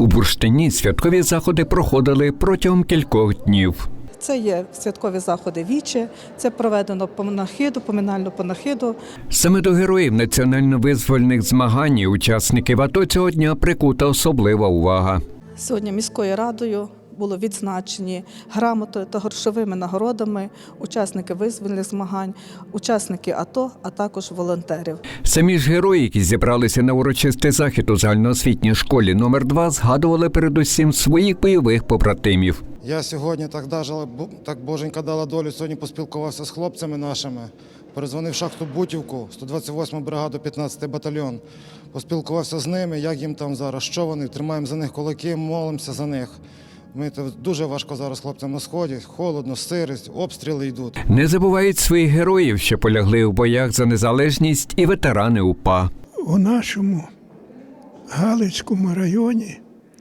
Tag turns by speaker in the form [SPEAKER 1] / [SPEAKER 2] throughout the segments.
[SPEAKER 1] У Бурштині святкові заходи проходили протягом кількох днів.
[SPEAKER 2] Це є святкові заходи віче, це проведено панахиду, поминальну панахиду.
[SPEAKER 1] Саме до героїв національно-визвольних змагань і учасників АТО цього дня прикута особлива увага.
[SPEAKER 2] Сьогодні міською радою було відзначені грамотою та грошовими нагородами учасники визвольних змагань, учасники АТО, а також волонтерів.
[SPEAKER 1] Самі ж герої, які зібралися на урочистий захід у загальноосвітній школі номер 2, згадували передусім своїх бойових побратимів.
[SPEAKER 3] Я сьогодні так боженька дала долю, сьогодні поспілкувався з хлопцями нашими, перезвонив в шахту Бутівку, 128-му бригаду, 15-й батальйон. Поспілкувався з ними, як їм там зараз, що вони, тримаємо за них кулаки, молимося за них. Дуже важко зараз хлопцям на сході, холодно, сирість, обстріли йдуть.
[SPEAKER 1] Не забувають своїх героїв, що полягли у боях за незалежність, і ветерани УПА.
[SPEAKER 4] У нашому Галицькому районі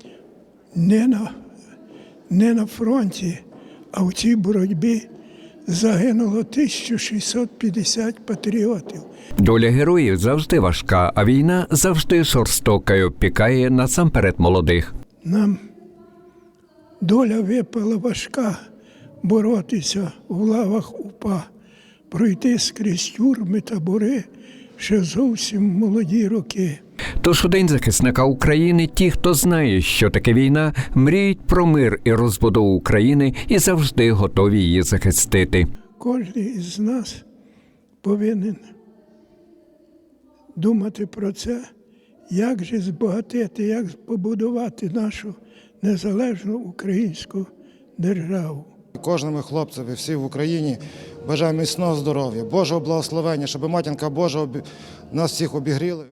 [SPEAKER 4] не на фронті, а в цій боротьбі загинуло 1650 патріотів.
[SPEAKER 1] Доля героїв завжди важка, а війна завжди жорстока і обпікає насамперед молодих.
[SPEAKER 4] Нам доля випала важка боротися в лавах УПА, пройти скрізь тюрми, табори ще зовсім молоді роки.
[SPEAKER 1] Тож у День захисника України ті, хто знає, що таке війна, мріють про мир і розбудову України і завжди готові її захистити.
[SPEAKER 4] Кожен із нас повинен думати про це, як же збагатити, як побудувати нашу незалежну українську державу.
[SPEAKER 3] Кожному хлопцеві, всі в Україні, бажаю міцного здоров'я, Божого благословення, щоб матінка Божа нас всіх обігріла.